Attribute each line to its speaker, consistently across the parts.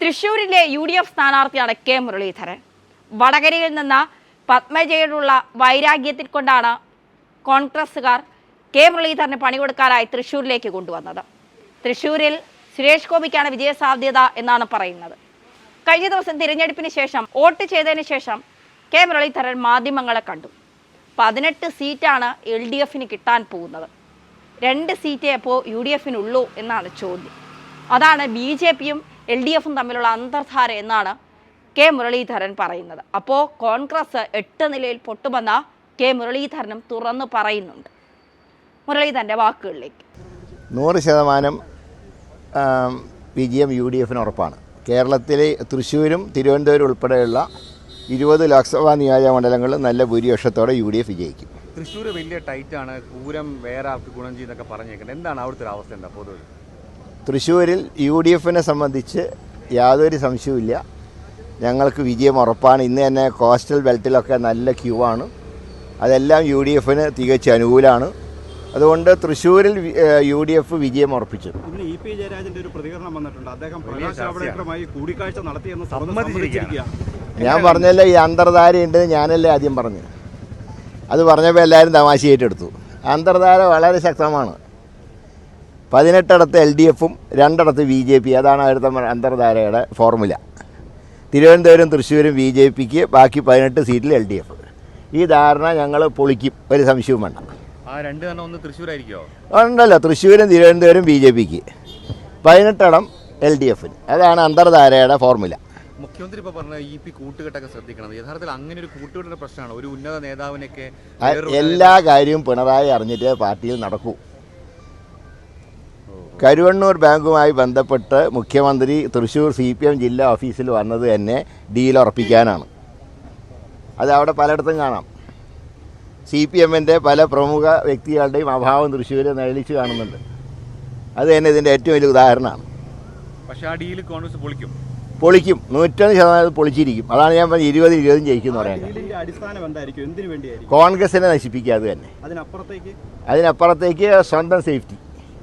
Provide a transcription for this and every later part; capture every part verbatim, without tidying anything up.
Speaker 1: തൃശ്ശൂരിലെ U D F സ്ഥാനാർത്ഥിയാണ് K Muraleedharan. വടകരയിൽ നിന്ന് പത്മജയോടുള്ള വൈരാഗ്യത്തിൽ കൊണ്ടാണ് കോൺഗ്രസുകാർ കെ മുരളീധരന് പണി കൊടുക്കാനായി തൃശ്ശൂരിലേക്ക് കൊണ്ടുവന്നത്. തൃശ്ശൂരിൽ സുരേഷ് ഗോപിക്കാണ് വിജയസാധ്യത എന്നാണ് പറയുന്നത്. കഴിഞ്ഞ ദിവസം തിരഞ്ഞെടുപ്പിന് ശേഷം വോട്ട് ചെയ്തതിന് ശേഷം കെ മുരളീധരൻ മാധ്യമങ്ങളെ കണ്ടു. പതിനെട്ട് സീറ്റാണ് എൽ ഡി എഫിന് കിട്ടാൻ പോകുന്നത്. രണ്ട് സീറ്റേ അപ്പോൾ യു ഡി എഫിനുള്ളൂ എന്നാണ് ചോദ്യം. അതാണ് ബി ജെ പിയും എൽ ഡി എഫും തമ്മിലുള്ള അന്തർധാര എന്നാണ് കെ മുരളീധരൻ പറയുന്നത്. അപ്പോൾ കോൺഗ്രസ് എട്ട് നിലയിൽ പൊട്ടുമെന്ന കെ മുരളീധരനും തുറന്നു പറയുന്നുണ്ട്. മുരളീധരൻ്റെ വാക്കുകളിലേക്ക്.
Speaker 2: നൂറ് ശതമാനം വിജയം യു ഡി എഫിന് ഉറപ്പാണ്. കേരളത്തിലെ തൃശ്ശൂരും തിരുവനന്തപുരം ഉൾപ്പെടെയുള്ള ഇരുപത് ലോക്സഭാ നിയോജക മണ്ഡലങ്ങളിൽ നല്ല ഭൂരിപക്ഷത്തോടെ യു ഡി എഫ് വിജയിക്കും.
Speaker 3: തൃശ്ശൂർ വലിയ ടൈറ്റാണ്, പൂരം വേറെ ആൾക്ക് ഗുണം ചെയ്യുന്നൊക്കെ പറഞ്ഞേക്കുന്നത്. എന്താണ് അവിടുത്തെ ഒരു അവസ്ഥ? എന്താ പൊതുവെ
Speaker 2: തൃശ്ശൂരിൽ യു ഡി എഫിനെ സംബന്ധിച്ച് യാതൊരു സംശയവുമില്ല, ഞങ്ങൾക്ക് വിജയം ഉറപ്പാണ്. ഇന്ന് തന്നെ കോസ്റ്റൽ ബെൽറ്റിലൊക്കെ നല്ല ക്യൂ ആണ്. അതെല്ലാം യു ഡി എഫിന് തികച്ച് അനുകൂലമാണ്. അതുകൊണ്ട് തൃശ്ശൂരിൽ യു ഡി എഫ് വിജയം ഉറപ്പിച്ചു.
Speaker 4: ഇന്ന് ഇ പി ജയരാജന്റെ ഒരു പ്രതികരണം വന്നിട്ടുണ്ട്. അദ്ദേഹം പ്രകാശ് ജാവ്ദേക്കറുമായി കൂടിക്കാഴ്ച നടത്തിയെന്ന് സമ്മതിച്ചിരിക്കുകയാണ്.
Speaker 2: ഞാൻ പറഞ്ഞല്ലോ, ഈ അന്തർധാര ഉണ്ടെന്ന് ഞാനല്ലേ ആദ്യം പറഞ്ഞു. അത് പറഞ്ഞപ്പോൾ എല്ലാവരും തമാശയായിട്ടെടുത്തു. അന്തർധാര വളരെ ശക്തമാണ്. പതിനെട്ടിടത്ത് എൽ ഡി എഫും രണ്ടിടത്ത് ബി ജെ പി. അതാണ് അടുത്ത അന്തർധാരയുടെ ഫോർമുല. തിരുവനന്തപുരം തൃശ്ശൂരും ബി ജെ പിക്ക്, ബാക്കി പതിനെട്ട് സീറ്റിൽ എൽ ഡി എഫ്. ഈ ധാരണ ഞങ്ങൾ പൊളിക്കും, ഒരു സംശയവും വേണ്ട.
Speaker 3: ആ രണ്ട് തന്നെ ഒന്ന് തൃശ്ശൂരായിരിക്കുമോ?
Speaker 2: ഉണ്ടല്ലോ, തൃശ്ശൂരും തിരുവനന്തപുരം ബി ജെ പിക്ക്, പതിനെട്ടിടം എൽ ഡി എഫിന്. അതാണ് അന്തർധാരയുടെ ഫോർമുല.
Speaker 3: മുഖ്യമന്ത്രി ഇപ്പോൾ പറഞ്ഞ ഇ പി കൂട്ടുകെട്ടൊക്കെ ശ്രദ്ധിക്കണം. യഥാർത്ഥത്തിൽ അങ്ങനെ ഒരു കൂട്ടുകെട്ടിന്റെ പ്രശ്നമാണ്. ഒരു ഉന്നത നേതാവിനൊക്കെ
Speaker 2: എല്ലാ കാര്യവും പിണറായി അറിഞ്ഞിട്ട് പാർട്ടിയിൽ നടക്കൂ. കരുവണ്ണൂർ ബാങ്കുമായി ബന്ധപ്പെട്ട് മുഖ്യമന്ത്രി തൃശ്ശൂർ സി പി എം ജില്ലാ ഓഫീസിൽ വന്നത് തന്നെ ഡീൽ ഉറപ്പിക്കാനാണ്. അത് അവിടെ പലയിടത്തും കാണാം. സി പി എമ്മിൻ്റെ പല പ്രമുഖ വ്യക്തികളുടെയും അഭാവം തൃശ്ശൂർ നിഴലിച്ച് കാണുന്നുണ്ട്. അത് തന്നെ ഇതിൻ്റെ ഏറ്റവും വലിയ ഉദാഹരണമാണ്.
Speaker 3: പക്ഷേ ആ ഡീൽ കോൺഗ്രസ് പൊളിക്കും
Speaker 2: പൊളിക്കും നൂറ്റൊന്ന് ശതമാനം പൊളിച്ചിരിക്കും. അതാണ് ഞാൻ പറഞ്ഞത്, ഇരുപത് ഇരുപതും ജയിക്കുന്നു പറയുന്നത്. കോൺഗ്രസിനെ നശിപ്പിക്കാതെ തന്നെ. അതിനപ്പുറത്തേക്ക് സ്വന്തം സേഫ്റ്റി.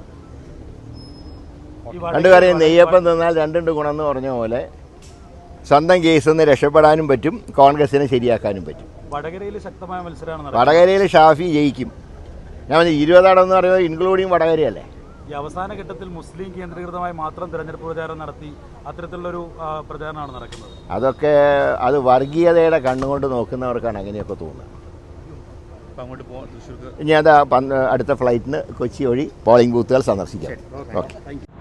Speaker 2: രണ്ടു കാര്യം, നെയ്യപ്പം തിന്നാൽ രണ്ടുണ്ട് ഗുണമെന്ന് പറഞ്ഞ പോലെ സ്വന്തം കേസിൽ നിന്ന് രക്ഷപ്പെടാനും പറ്റും, കോൺഗ്രസിനെ ശരിയാക്കാനും പറ്റും.
Speaker 4: വടകരയിൽ ശക്തമായ മത്സരമാണ്.
Speaker 2: വടകരയിൽ ഷാഫി ജയിക്കും. ഞാൻ പറഞ്ഞു ഇരുപതാടം എന്ന് പറയുന്നത് ഇൻക്ലൂഡിങ് വടകരയല്ലേ.
Speaker 4: ഈ അവസാന ഘട്ടത്തിൽ മുസ്ലിം കേന്ദ്രീകൃതമായി മാത്രം തെരഞ്ഞെടുപ്പ് പ്രചാരണം നടത്തി അത്തരത്തിലുള്ളൊരു പ്രചാരണമാണ് നടക്കുന്നത്.
Speaker 2: അതൊക്കെ അത് വർഗീയതയുടെ കണ്ണുകൊണ്ട് നോക്കുന്നവർക്കാണ് അങ്ങനെയൊക്കെ തോന്നുന്നത്. ഇനി അത് അടുത്ത ഫ്ലൈറ്റിന് കൊച്ചി വഴി പോളിംഗ് ബൂത്തുകൾ സന്ദർശിക്കാം. ഓക്കെ.